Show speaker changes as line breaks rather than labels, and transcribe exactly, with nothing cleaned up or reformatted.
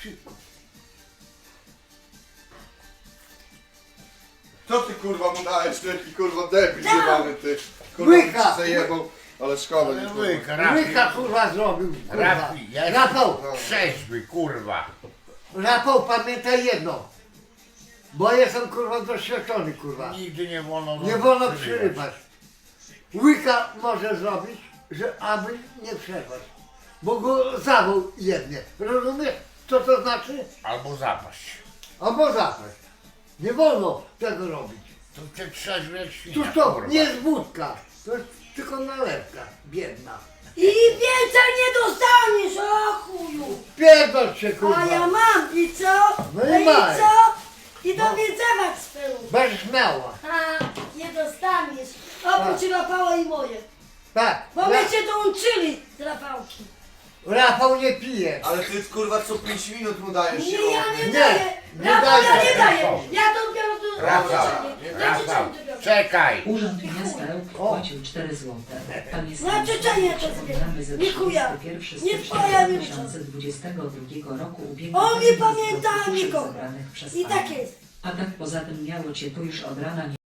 Szybko.
Co ty kurwa mu dałeś, taki kurwa debil
Dał.
jebany ty. Kurwa
Łyka.
ci zajebał, ale szkoda nie kurwa.
Łyka, Rafi,
Łyka kurwa zrobił, kurwa.
Rafi, ja
Rafał,
trzeźwy, kurwa.
Rafał, pamiętaj jedno. Bo jestem kurwa doświadczony kurwa.
Nigdy nie wolno...
Nie wolno przerywać. Łyka może zrobić, że aby nie przerwać. Bo go zawał jednie. Rozumiesz, co to znaczy?
Albo zapaść.
Albo zapaść. Nie wolno tego robić.
To cię trzeźwy jak
Tu
świnia,
to
kurwa.
nie jest wódka. To jest tylko nalewka. Biedna.
I więcej nie dostaniesz, o chuju!
Pierdol się kurwa.
A ja mam i co?
No i
i
maj.
co? I do wiedzewać swego.
Będziesz miała.
A, nie dostaniesz. Oprócz Rafała i moje.
Tak.
Bo
Ra
myście dołączyli z Rafałki.
Rafał nie pije.
Ale ty kurwa co pięć minut mu dajesz
Nie,
się
ja nie,
Nie,
daję.
nie
Rafał, ja
daję.
nie daję.
Rafał.
Ja dopiero tu...
Rafał, Rafał, czekaj.
Urząd Miasta Ełk wpłacił cztery złote. Pan jest
Na Czeczenię to zbieram.
ze
Nie chuja.
trzydziestego
Nie
pierwszego
twoja
stycznia
wina.
dwa tysiące dwudziestego drugiego roku ubiegł
On nie
termin
pamięta
zwrotu duszy
nikogo.
zebranych przez
I
pana.
tak jest.
A tak poza tym miało cię tu już od rana nie